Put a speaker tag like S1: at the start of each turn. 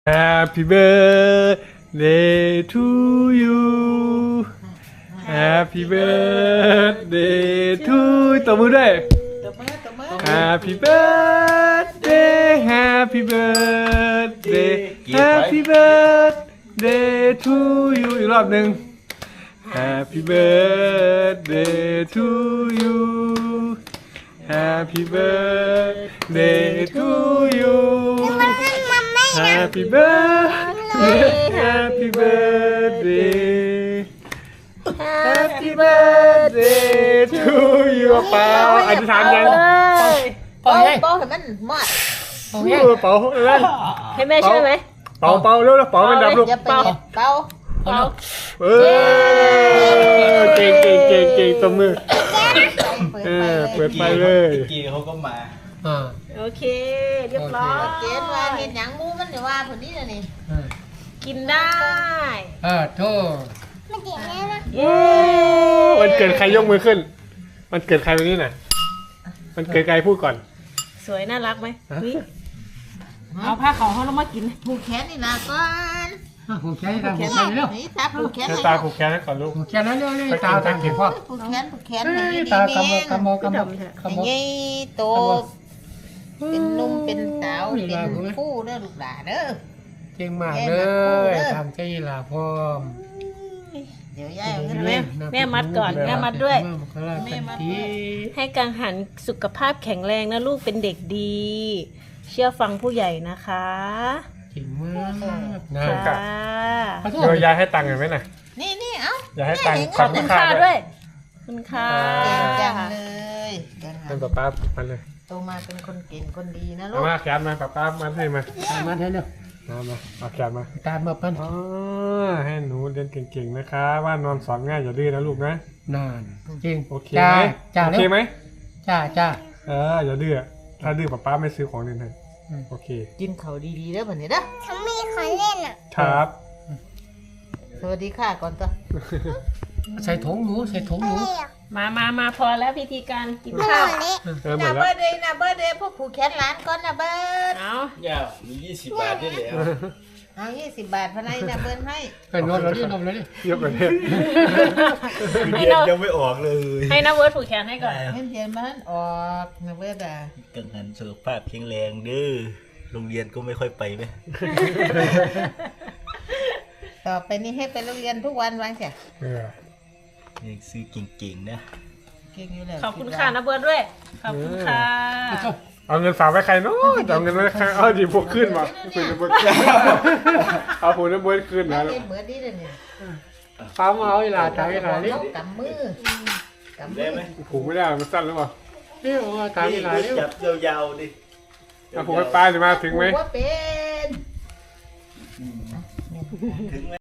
S1: Happy birthday to you Happy birthday to ตบมือด้วย Happy birthday Happy birthday Happy birthday to you อีกรอบหนึ่ง Happy birthday to you Happy birthday to you Happy birthday Happy birthday Happy birthday to you เป่าอธิษฐานยัง
S2: เป่าให้มันหมด
S1: เป่าเล่น
S3: ให้แม่ช่วยไหม
S1: เป่าเร็วเป่ามันดับลูก
S2: อย่าไปเป่า
S1: เก่งตบมือเปิดไปเลย
S4: กีเขาก็มา
S3: โอเคเรียบร้อย
S2: เกณฑ์ว่าเห็นหยังมูมันเดี๋ยวว่าผลนี้นะนี่
S3: กินได้
S5: โทษ
S3: เย้
S1: มันเกิดใครยกมือขึ้น มันเกิดใครวันนี้น่ะมันเกิดใครพูดก่อน
S3: สวยน่ารักไหมเอาผ้าขาวเขาลงมากิน
S2: ผูกแขนนี่นะก่อน
S5: ผมแค่ทำผมแค่เร็ว
S2: นี่ตาผูกแขน
S1: เจ้าตาผูกแขนให้ก่อนลูก
S5: ผมแค่นั้นเร็วเลยตาทำเก็บพ่อ
S2: ผูกแขนให้ดี
S5: ตา
S2: ๆ
S5: กำม
S2: เอง
S5: กำมกำม
S2: ไอ้
S5: กำม
S2: ไงโตเป็นนุ่มเป็นสาวเป็นผู้เด้อลูกหลานเด้อ
S5: เก่งมากเลยทำใจลาพร้อม
S2: เดี๋ยวยายเอาเงิน
S3: แม่มัดก่อนแม่มัดด้วย
S5: แม่มัดที
S3: ให้กังหันสุขภาพแข็งแรงนะลูกเป็นเด็กดี เชื่อฟังผู้ใหญ่นะคะ
S5: เก่งมากนะ
S3: ค่ะ
S1: เดี๋ยวยายให้ตังค์เห็นไหมน่ะ
S2: นี่เอ้า
S1: อย่าให้ตังค์
S3: ขอบคุณค่ะด้วยคุณค่ะ
S2: เก่งจังเลยเก่ง
S1: เป็นป้ามันเลย
S2: โตมาเป็นคนเก่งคนดีนะลู
S1: เอา
S2: ก
S1: มาแขนมาป้ามันให้มา
S5: มาให้เร็ว
S1: มาเอาแขนมา
S5: ตามมาปั้น
S1: อ๋อให้หนูเรียนเก่งๆนะคะว่านอนสอนง่ายอย่าดื้อนะลูกนะ
S5: นานจริง
S1: โอเค
S5: จ้า
S1: ไหม
S5: จ้า
S1: โอ
S5: เร็
S1: เคว ไหม
S5: จ้าจ้า
S1: อย่าดื้อถ้าดื้อป้าไม่ซื้อของเล่นให้โอเค
S2: กินเขาดีๆเด้อบัดนี้เด้อ
S1: ครับ
S2: สวัสดีค่ะก่อนตัว
S5: ใส่ถุงหนูใส่ถุงหนู
S3: มาพอแล้วพิธีการกินข้าว
S1: เหมื
S2: นา
S1: อน
S2: เบิ
S1: แล้ว
S2: ร์ดเลยนาเบิร์ดเลยพวกผูกแขนหลานก่อนนาเบิร์ด
S3: เอา
S4: ย่ามี20 บาทได้แล้ว
S2: เอา20 บาทพนัยนาเบิร์ดให้
S5: ไปนอนเราดินอนเราดิ
S1: ยกกันเนี่ย
S4: เรียนยังไม่ออกเลย
S3: ให้นะเวิร์ดผูกแขนให้ก่อน
S2: เงินเดือนมันออกนาเบิร์ดอ่ะ
S4: กังหันสุขภาพแข็งแรงเด้อโรงเรียนก็ไม่ค่อยไปไหม
S2: ต่อไปนี้ให้ไปโรงเรียนทุกวันวางเสีย
S4: ยังซื้อเก่งๆนะ
S2: เก่งอยู่แล้ว
S3: ขอบคุณค่ะนะเวิร์ดด้วยขอบคุณค่ะ
S1: เอาเงินฝากไว้ใครเนาะเอาเงินไว้ใครเอาดีพวกขึ้นมาคุณจะบดเอาคุณจะบดขึ้นนะ
S2: เล่นเหมือนนี่เลยเนี่ย
S5: ฟ้ามาเอาเวลาตาเวลาดิ
S2: กำมือกำมื
S4: ได้
S2: อ
S4: ไหม
S1: ผูกไม่ได้มันสั้นหรือเปล่า
S5: เร็วตาเวลาเร็ว
S4: จับยาวๆดิ
S1: เอาผูกให้ป้าจะมาถึงไหม
S2: ว่าเป็น
S4: ถึงไหม